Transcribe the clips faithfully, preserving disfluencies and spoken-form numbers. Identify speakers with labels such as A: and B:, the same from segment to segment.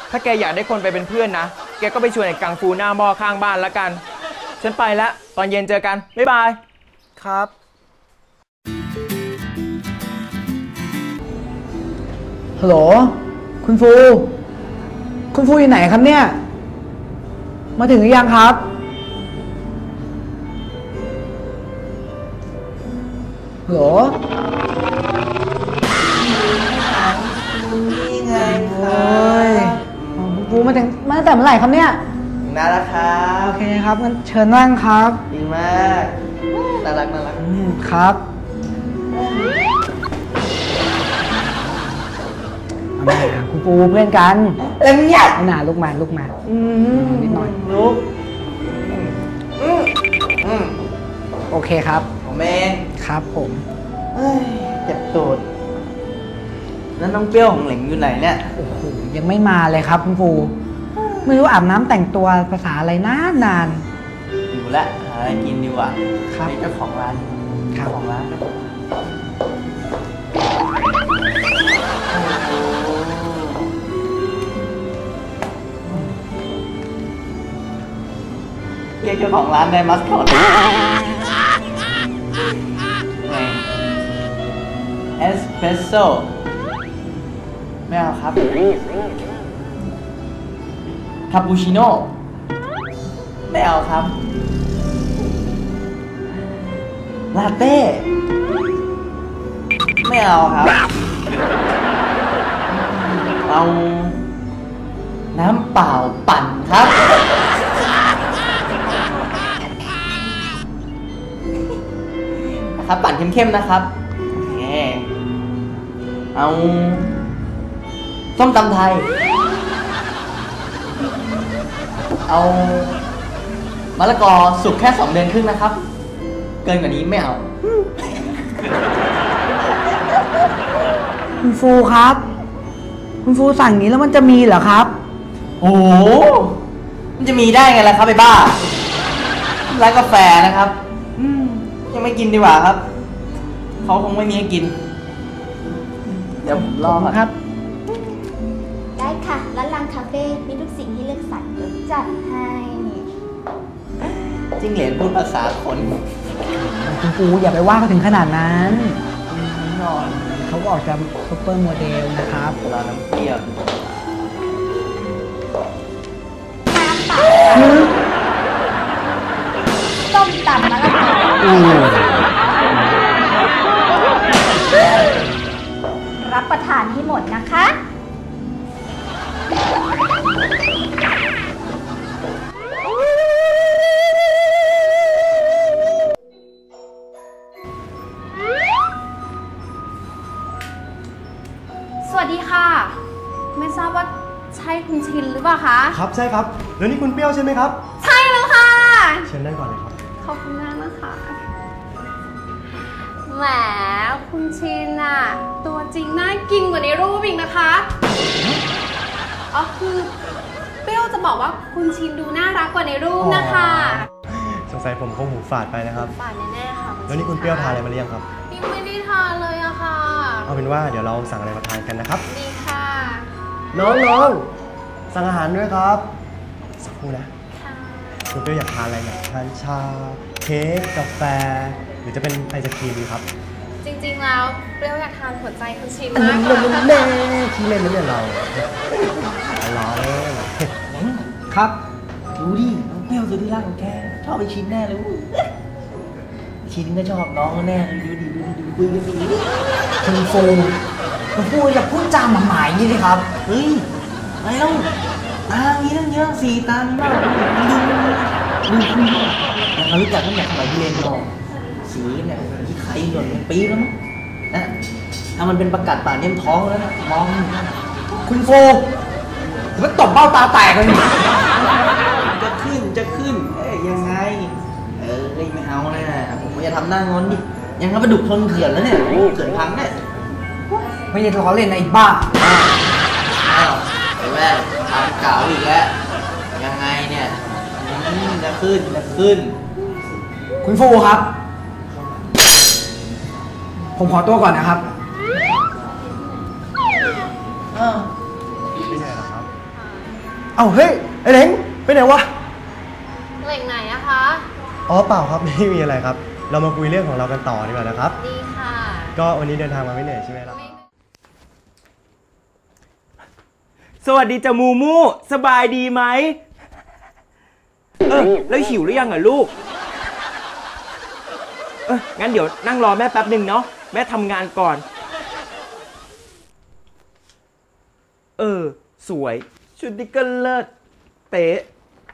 A: ถ้าแกอยากได้คนไปเป็นเพื่อนนะแกก็ไปชวนไอ้กังฟูหน้าหม้อข้างบ้านละกันฉันไปละตอนเย็นเจอกันบ๊ายบายครับ
B: ฮัลโหลคุณฟูคุณฟูอยู่ไหนครับเนี่ยมาถึงหรือยังครับฮัลโหล
C: นี่ไงครั
B: บคุณฟูมาถึงมาตั้งแต่เมื่อไหร่ครับเนี่ย
C: น่ารักครับ
B: โอเคครับงั้นเชิญนั่งครับ
C: ดีมากน่ารักน่ารัก
B: ครับมาคุณปูเพื่อนกัน
C: เอ็มเนี่ย
B: หนาลูกมาลูกมานิดหน่อย
C: ลูก
B: โอเคครับ
C: ผมเอง
B: ครับผม
C: เจ็บตูดแล้วน้องเปรี้ยวของเหลงอยู่ไหนเนี่ย
B: โอ้โหยังไม่มาเลยครับคุณปูไม่รู้อาบน้ำแต่งตัวภาษาอะไรนานนาน
C: อยู่ละหาอะไรกินดีกว่า
B: ครับ
C: เจ้าของร้านเจ้าของร้านเรียกเจ้าของร้านได้มัสคอตเอสเปรสโซ่ไม่เอาครับคาปูชิโน่ไม่เอาครับลาเต้ไม่เอาครับเอาน้ำเปล่าปั่นครับนะครับปั่นเข้มๆนะครับโอเคเอาส้มตำไทยเอามะละกอสุกแค่สองเดือนครึ่งนะครับเกินกว่านี้ไม่เอา
B: คุณฟูครับคุณฟูสั่งนี้แล้วมันจะมีเหรอครับ
C: โอ้โหมันจะมีได้ไงล่ะครับไอ้บ้าร้านกาแฟนะครับยังไม่กินดีกว่าครับเขาคงไม่มีให้กินเดี๋ยวผมรอครับ
D: ได้ค่ะร้านลังคาเฟ่มีทุกสิ่งที่เลือกสรรเดี๋ยวจัดให้
C: จิ้งเหลนพูดภาษาคน
B: คุณปูอย่าไปว่าเขาถึงขนาดนั้น
C: นอน
B: เขาก็ออกจากซุปเปอร์โมเดลนะครับ
C: รอน้ำเปรี้ยว
D: ส้มตำมะละกอรับประทานให้หมดนะคะ
E: สวัสดีค่ะไม่ทราบว่าใช่คุณชินหรือเปล่าคะ
F: ครับใช่ครับแล้วนี่คุณเปรี้ยวใช่ไหมครับ
E: ใช่แล้วค่ะ
F: เชิญนั่งก่อนเลยครับ
E: ขอบคุณมากนะคะแหมคุณชินอะตัวจริงน่ากินกว่าในรูปอีกนะคะอ๋อคือเปรี้ยวจะบอกว่าคุณชินดูน่ารักกว่าในรูปนะคะ
F: สงสัยผมคงหูฝาดไปนะครับ
E: ฝาดแน่ๆค่ะ
F: แล้วนี่คุณเปรี้ยวทานอะไรมาหรือยังครับ
E: ยังไม่ได้ทานเลยอะค่ะ
F: เอาเป็นว่าเดี๋ยวเราสั่งอะไรมาทานกันนะครับ
E: ดีค่ะ
F: น้องๆสั่งอาหารด้วยครับสักครู่นะคุณเปรี้ยวอยากทานอะไรอยากทานชาเค้กกาแฟหรือจะเป็นไอศครีมดีครับ
E: จริงๆแล้วเปรี้ยวอยากทานหัวใจคุณชินมากกว่า
F: แน่ที่เล่นนั่นเนี่ยเราล้อเล่น
B: ครับ
C: ดูดิน้องเปรี้ยวสุดที่รักของแกชอบไปชินแน่เลยชินก็ชอบน้องแน่เลยดูดิดูดิดูคุยกันสิ
B: คุณฟูคุณฟูอย่าพูดจาหมาหมายนี่สิครับ
C: เฮ้ยอะไรเล่าอ่างี้ตั้งเยอะสี่ตามีมากดูดูดูเขารู้จักตั้งแต่สมัยที่เรียนม.สีเนี่ยที่ใครหล่นเป็นปีแล้วมั้งนะถ้ามันเป็นประกาศป่าเนี่ยท้องแล้วนะมอง
B: คุณฟูมันตบเบ้าตาแตกเลย
C: จะขึ้นจะขึ้นเอ้ยยังไงเออไม่เอาเลยนะผมจะทำหน้างอนดิยังทำปลาดุกทนเขื่อนแล้วเนี่ยเขื่อนพังเนี่ย
B: ไม่ใช่ล้อเล่นนะไอ้บ้า
C: อ้าวไอ้แว่นทำเก่าอีกแล้วยังไงเนี่ยจะขึ้นจะขึ้น
B: คุณฟูครับผมขอตัวก่อนนะครับ
F: ไม่ใช่หรอครับเอ้าเฮ้ยไอ้เหลงไปไหนวะ
E: เหล่งไหนอะคะ
F: อ๋อเปล่าครับ ไม่มีอะไรครับ เรามาคุยเรื่องของเรากันต่อดีกว่านะครับ
E: ดีค่ะ
F: ก็วันนี้เดินทางมาไม่เหนื่อยใช่ไหมล่ะ
A: สวัสดีจ้ะมูมูสบายดีไหมเออแล้วหิวหรือยังอ่ะลูกเอองั้นเดี๋ยวนั่งรอแม่แป๊บหนึ่งเนาะแม่ทำงานก่อนเออสวยชุดนี้ก็เลิศเป๊ะ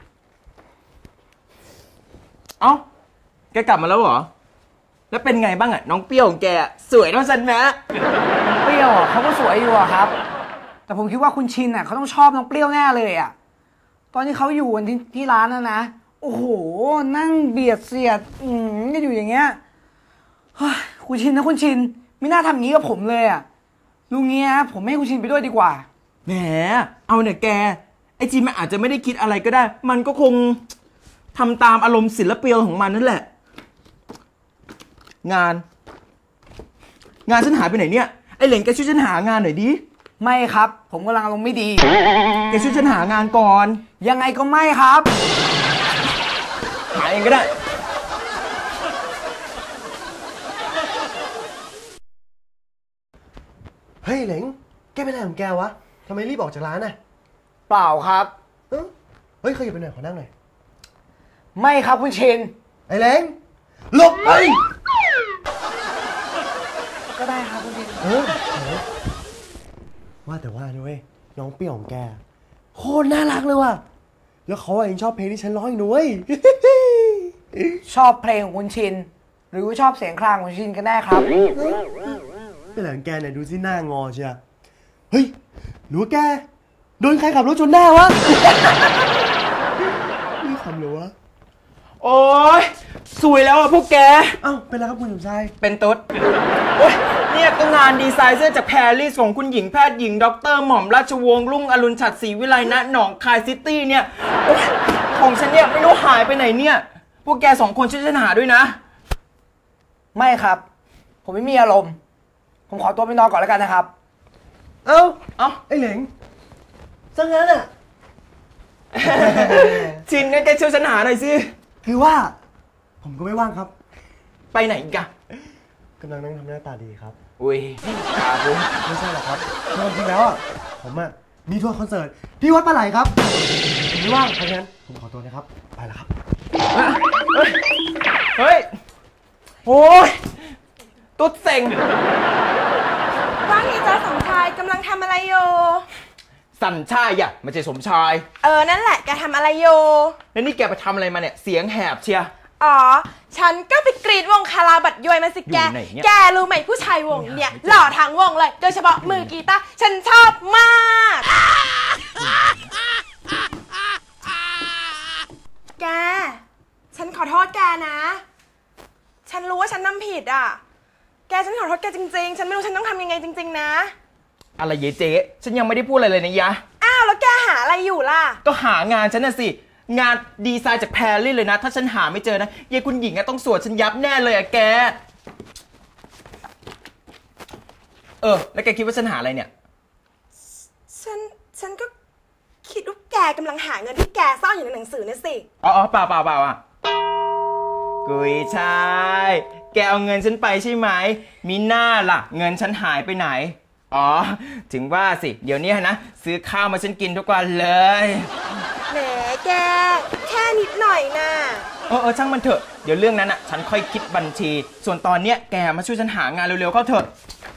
A: เอ้าแกกลับมาแล้วเหรอแล้วเป็นไงบ้างอ่ะน้องเปรี้ยวของแกสวยเท่าฉันไหม
B: เปรี้ยวอะเขาก็สวยอยู่อะครับ แต่ผมคิดว่าคุณชินอ่ะเขาต้องชอบน้องเปรี้ยวแน่เลยอ่ะตอนที่เขาอยู่ที่ที่ร้านนะนะโอ้โหนั่งเบียดเสียดอืมก็อยู่อย่างเงี้ยเฮ้ยคุณชินนะคุณชินไม่น่าทำอย่างนี้กับผมเลยอ่ะลุงเงี้ยผมไม่ให้คุณชินไปด้วยดีกว่า
A: แหมเอาเนี่ยแกไอจีมันอาจจะไม่ได้คิดอะไรก็ได้มันก็คงทำตามอารมณ์ศิลปินของมันนั่นแหละงานงานฉันหายไปไหนเนี่ยไอเหลงแกช่วยฉันหางานหน่อยดิ
B: ไม่ครับผมกำลังอารมณ์ไม่ดี
A: แกช่วยฉันหางานก่อน
B: ยังไงก็ไม่ครับ
A: หาเองก็ได้
F: เฮ้ยเหลงแกเป็นอะไรของแกวะทำไมรีบออกจากร้านน่ะ
B: เปล่าครับ
F: เอ้าเฮ้ยขยับไปหน่อยขอนั่งหน่อย
B: ไม่ครับคุณชิน
F: ไอ้เหลงหลบไป
B: ก็ได้ครับคุณชิน
F: เออว่าแต่ว่าด้วยน้องเปรี้ยวของแกโคตรน่ารักเลยว่ะแล้วเขาเองชอบเพลงที่ฉันร้องอีกด้วย
B: ชอบเพลงของคุณชินหรือว่าชอบเสียงคลางของคุณชินกันแน่ครับ
F: เป็นหลังแกเนี่ยดูสิหน้างอเชียเฮ้ยหรือว่าแกโดนใครขับรถชนหน้าวะ นี่คำเลยวะ
A: โอ๊ยสวยแล้วอ่ะพวกแก
F: เอ้าเป็นไรครับคุณสมชาย
A: เป็นตุ๊ดโอ๊ยเนี่ยก็งานดีไซน์เสื้อจากแพรรี่ของคุณหญิงแพทย์หญิงด็อกเตอร์หม่อมราชวงศ์รุ่งอรุณฉัตรศรีวิไลณหนองคายซิตี้เนี่ยโอ๊ยของฉันเนี่ยไม่รู้หายไปไหนเนี่ยพวกแกสองคนช่วยฉันหาด้วยนะ
B: ไม่ครับผมไม่มีอารมณ์ผมขอตัวไปนอนก่อนแล้วกันนะครับ
F: เอ้าเอ้าไอ้เหลงซะงั้นอ่ะ
A: ชินงั้นแกช่วยฉันหาหน่อยสิ
F: คือว่าผมก็ไม่ว่างครับ
A: ไปไหนอีกอะ
F: กำลังนั่งทำหน้าตาดีครับ
A: อุ้ยครับผม
F: ไม่ใช่หรอกครับจริงแล้วอ่ะผมอ่ะมีทัวร์คอนเสิร์ตที่วัดปลาไหลครับผมไม่ว่างเพราะงั้นผมขอตัวนะครับไปแล้วครับ
A: เฮ้ยโอ้ยตุ๊ดเซ็ง
G: ว่าไงจ๊ะสมชายกำลังทำอะไรอยู่
A: สัญชายอ่ะไม่ใช่สมชาย
G: เออนั่นแหละแกทำอะไรอยู่
A: แล้วนี่แกไปทำอะไรมาเนี่ยเสียงแหบเชีย
G: อ๋อฉันก็ไปกรีดวงคาราบัดยวยมาสิแกแกรู้ไหมผู้ชายวงเนี่ยหล่อทั้งวงเลยโดยเฉพาะมือกีตาร์ฉันชอบมากแกฉันขอโทษแกนะฉันรู้ว่าฉันทำผิดอ่ะแกฉันขอโทษแกจริงๆฉันไม่รู้ฉันต้องทำยังไงจริงๆนะ
A: อะไรเยเจ๊ฉันยังไม่ได้พูดอะไรเลยนะยะ
G: อ้าวแล้วแกหาอะไรอยู่ล่ะ
A: ก็หางานฉันน่ะสิงานดีไซน์จากแพรรี่เลยนะถ้าฉันหาไม่เจอนะยายคุณหญิงต้องสวดฉันยับแน่เลยอะแกเออแล้วแกคิดว่าฉันหาอะไรเนี่ย
G: ฉันฉันก็คิดว่าแกกำลังหาเงินที่แกซ่อนอยู่ในหนังสือน่ะสิ
A: อ๋อเปล่าเปล่าเปล่าอ่ะกุยชายแกเอาเงินฉันไปใช่ไหมมีหน้าล่ะเงินฉันหายไปไหนอ๋อถึงว่าสิเดี๋ยวนี้นะซื้อข้าวมาฉันกินทุกวันเลย
G: แหมแกแค่นิดหน่อยนะ
A: เออเออช่างมันเถอะเดี๋ยวเรื่องนั้นอ่ะฉันค่อยคิดบัญชีส่วนตอนเนี้ยแกมาช่วยฉันหางานเร็วๆเข้าเถอะ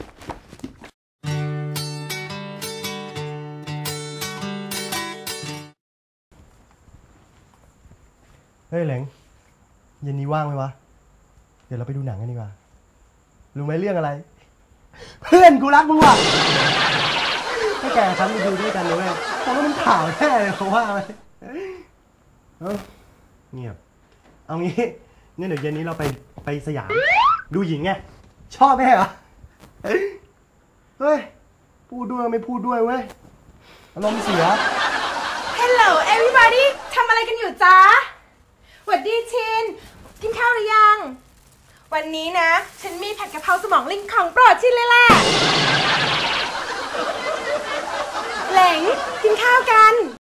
F: เฮ้ยเหลงเย็นนี้ว่างไหมวะเดี๋ยวเราไปดูหนังกันดีกว่ารู้ไหมเรื่องอะไรเพื่อนกูรักมึงว่ะให้แกฉันไปดูด้วยกันเลยเพราะว่ามันข่าวแท้เลยเพราะว่าอะไรเออเงียบเอางี้งั้นเดี๋ยวเย็นนี้เราไปไปสยามดูหญิงไงชอบไหมเหรอเฮ้ยพูดด้วยไม่พูดด้วยเว้ยอารมณ์เสีย
G: Hello everybody ทำอะไรกันอยู่จ๊ะสวัสดีชินกินข้าวหรือยังวันนี้นะฉันมีผัดกะเพราสมองลิงของโปรดชินเลยแหละเหลงกินข้าวกัน